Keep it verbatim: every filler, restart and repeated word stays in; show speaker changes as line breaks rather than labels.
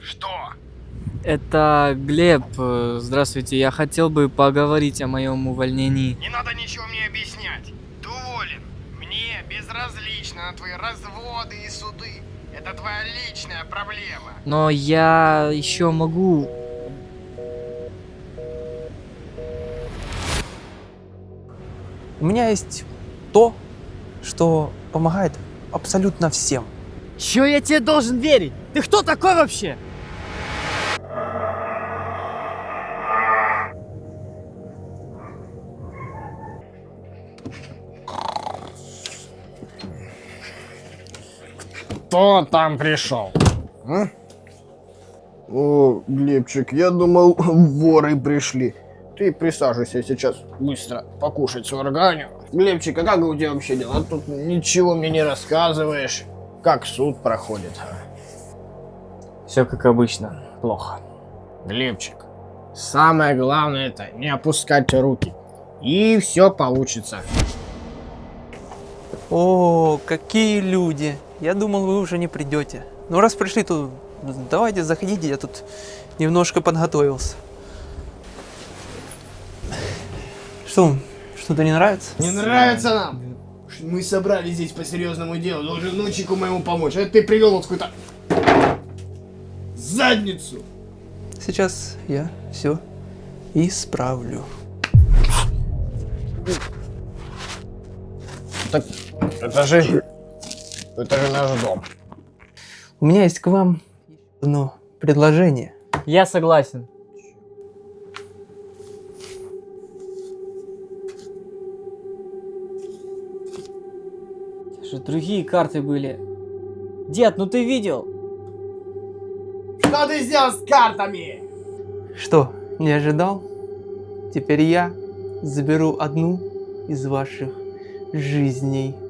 Что?
Это Глеб. Э, Здравствуйте, я хотел бы поговорить о моем увольнении.
Не надо ничего мне объяснять. Ты уволен. Мне безразлично на твои разводы и суды. Это твоя личная проблема.
Но я еще могу...
У меня есть то, что помогает абсолютно всем.
Чё я тебе должен верить? Ты кто такой вообще?
Кто там пришел? А?
О, Глебчик, я думал, воры пришли. Ты присаживайся, я сейчас быстро покушать сварганю. Глебчик, а как у тебя вообще дела? Тут ничего мне не рассказываешь. Как суд проходит?
Все как обычно, плохо.
Глебчик, самое главное это не опускать руки. И все получится.
О, какие люди! Я думал, вы уже не придете. Ну раз пришли, то давайте заходите, я тут немножко подготовился. Что, что-то не нравится?
Не нравится нам? Мы собрались здесь по серьезному делу. Должен внучику моему помочь. А ты привел вот какую-то задницу.
Сейчас я все исправлю.
Так, это же... Это же наш дом.
У меня есть к вам одно предложение.
Я согласен. Же другие карты были. Дед, ну ты видел?
Что ты сделал с картами?
Что, не ожидал? Теперь я заберу одну из ваших жизней.